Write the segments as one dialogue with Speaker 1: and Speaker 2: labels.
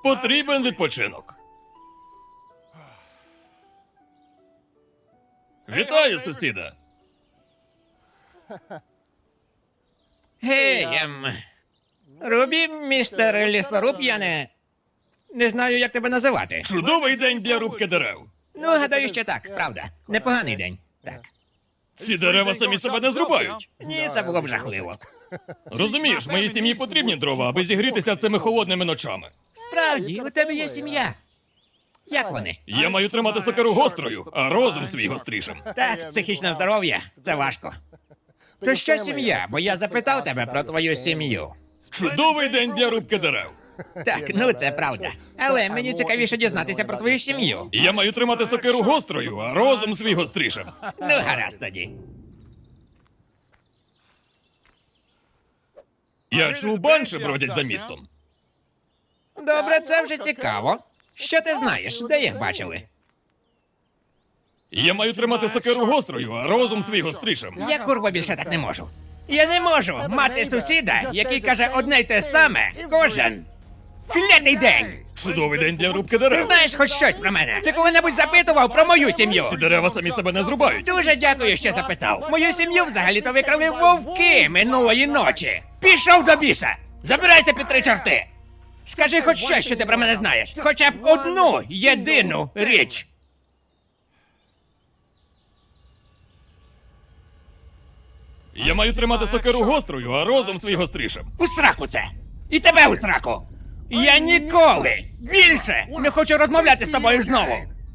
Speaker 1: Потрібен відпочинок. Вітаю, сусіда.
Speaker 2: Гей, Рубі, містер лісоруб, я не знаю, як тебе називати.
Speaker 1: Чудовий день для рубки дерев.
Speaker 2: Ну, гадаю, що так, правда. Непоганий день. Так.
Speaker 1: Ці дерева самі себе не зрубають.
Speaker 2: Ні, це було б жахливо.
Speaker 1: Розумієш, моїй сім'ї потрібні дрова, аби зігрітися цими холодними ночами.
Speaker 2: Справді, у тебе є сім'я. Як вони?
Speaker 1: Я маю тримати сокиру гострою, а розум свій гострішим.
Speaker 2: Так, психічне здоров'я – це важко. То що сім'я? Бо я запитав тебе про твою сім'ю.
Speaker 1: Чудовий день для рубки дерев.
Speaker 2: Так, ну це правда. Але мені цікавіше дізнатися про твою сім'ю.
Speaker 1: Я маю тримати сокиру гострою, а розум свій гострішим.
Speaker 2: Ну, гаразд тоді.
Speaker 1: Я чув, банші бродять за містом.
Speaker 2: Добре, це вже цікаво. Що ти знаєш? Де їх бачили?
Speaker 1: Я маю тримати сокиру гострою, а розум свій гострішим.
Speaker 2: Я, курва, більше так не можу. Я не можу мати сусіда, який каже одне й те саме кожен клятий день.
Speaker 1: Чудовий день для рубки
Speaker 2: Ти
Speaker 1: дерев.
Speaker 2: знаєш хоч щось про мене? Ти коли-небудь запитував про мою сім'ю?
Speaker 1: Ці дерева самі себе не зрубають.
Speaker 2: Дуже дякую, що запитав. Мою сім'ю взагалі-то викрали вовки минулої ночі. Пішов до біса! Забирайся під три чорти! Скажи хоч щось, що ти про мене знаєш. Хоча б одну єдину річ.
Speaker 1: Я маю тримати сокиру гострою, а розум свій гострішим.
Speaker 2: У сраку це! І тебе у сраку! Я ніколи більше не хочу розмовляти з тобою знову!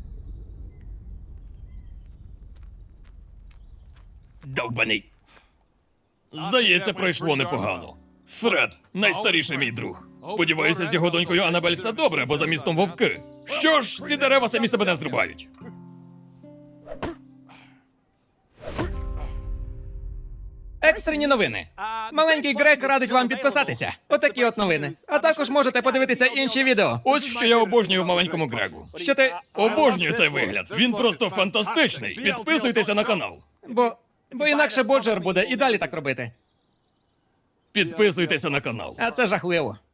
Speaker 2: Довбаний.
Speaker 1: Здається, пройшло непогано. Фред, найстаріший мій друг. Сподіваюся, з його донькою Анабель все добре, бо за містом вовки. Що ж, ці дерева самі себе не зрубають.
Speaker 3: Екстрені новини. Маленький Грек радить вам підписатися. Отакі от новини. А також можете подивитися інші відео.
Speaker 1: Ось що я обожнюю в маленькому Грегу.
Speaker 3: Що ти.
Speaker 1: Обожнюю цей вигляд. Він просто фантастичний. Підписуйтеся на канал.
Speaker 3: Бо інакше Боджер буде і далі так робити.
Speaker 1: Підписуйтеся на канал.
Speaker 3: А це жахливо.